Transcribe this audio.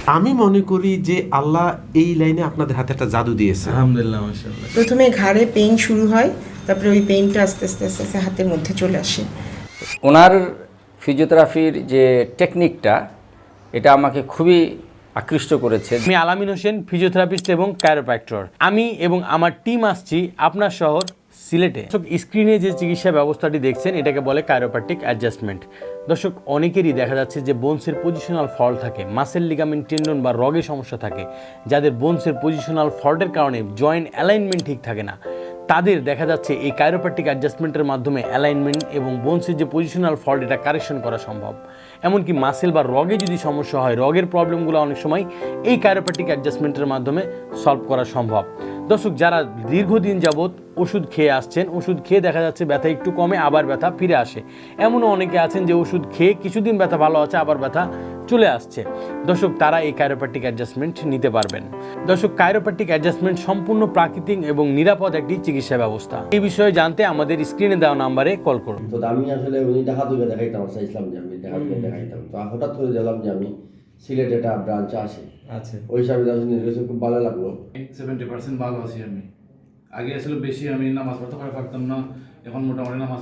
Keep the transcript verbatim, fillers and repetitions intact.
আমি মনে করি যে আল্লাহ এই লাইনে আপনাদের হাতে একটা জাদু দিয়েছে। আলহামদুলিল্লাহ, মাশাআল্লাহ। প্রথমে ঘাড়ে পেইন শুরু হয়, তারপরে ওই পেইনটা আস্তে আস্তে আস্তে আস্তে হাতের মধ্যে চলে আসে। ওনার ফিজিওথেরাপির যে টেকনিকটা, এটা আমাকে খুবই আকৃষ্ট করেছে। আমি আলামিন হোসেন, ফিজিওথেরাপিস্ট এবং কায়োপ্র্যাক্টর। আমি এবং আমার টিম আসছি আপনার শহর সিলেটে। দর্শক, স্ক্রিনে যে চিকিৎসা ব্যবস্থাটি দেখছেন এটাকে বলে কায়োপ্র্যাক্টিক অ্যাডজাস্টমেন্ট। দর্শক, অনেকেরই দেখা যাচ্ছে যে বোনসের পজিশনাল ফল্ট থাকে, মাসেল লিগামেন্ট টেন্ডন বা রগের সমস্যা থাকে, যাদের বোনসের পজিশনাল ফল্টের কারণে জয়েন্ট অ্যালাইনমেন্ট ঠিক থাকে না, তাদের দেখা যাচ্ছে এই কায়োপ্র্যাক্টিক অ্যাডজাস্টমেন্টের মাধ্যমে অ্যালাইনমেন্ট এবং বোনসের যে পজিশনাল ফল্ট এটা কারেকশন করা সম্ভব। এমনকি মাসেল বা রগে যদি সমস্যা হয়, রগের প্রবলেমগুলো অনেক সময় এই কায়োপ্র্যাক্টিক অ্যাডজাস্টমেন্টের মাধ্যমে সলভ করা সম্ভব। দর্শক, যারা দীর্ঘদিন যাবৎ ওষুধ খেয়ে আসছেন, ওষুধ খেয়ে দেখা যাচ্ছে ব্যথা একটু কমে আবার ব্যথা ফিরে আসে, এমনও অনেকে আছেন যে ওষুধ খেয়ে কিছুদিন ব্যথা ভালো আছে আবার ব্যথা চলে আসছে। দর্শক, তারা এই কায়োপ্র্যাক্টিক অ্যাডজাস্টমেন্ট নিতে পারবেন। দর্শক, কায়োপ্র্যাক্টিক অ্যাডজাস্টমেন্ট সম্পূর্ণ প্রাকৃতিক এবং নিরাপদ একটি চিকিৎসা ব্যবস্থা। এই বিষয়ে জানতে আমাদের স্ক্রিনে দেওয়া নাম্বারে কল করুন। তো আমি আসলে উনি দেখা দুবে দেখাইতাম, চাইছিলাম যে আমি দেখা দুবে দেখাইতাম। তো হঠাৎ করে দিলাম যে আমি সিলেট একটা ব্রাঞ্চে আসি। আচ্ছা, ওই হিসাবে নিজের কাছে খুব ভালো লাগলো। সেভেন্টি পার্সেন্ট ভালো আছি আমি। আগে আসলে বেশি আমি নামাজ পড়তে পারতাম না, এখন মোটামুটি নামাজ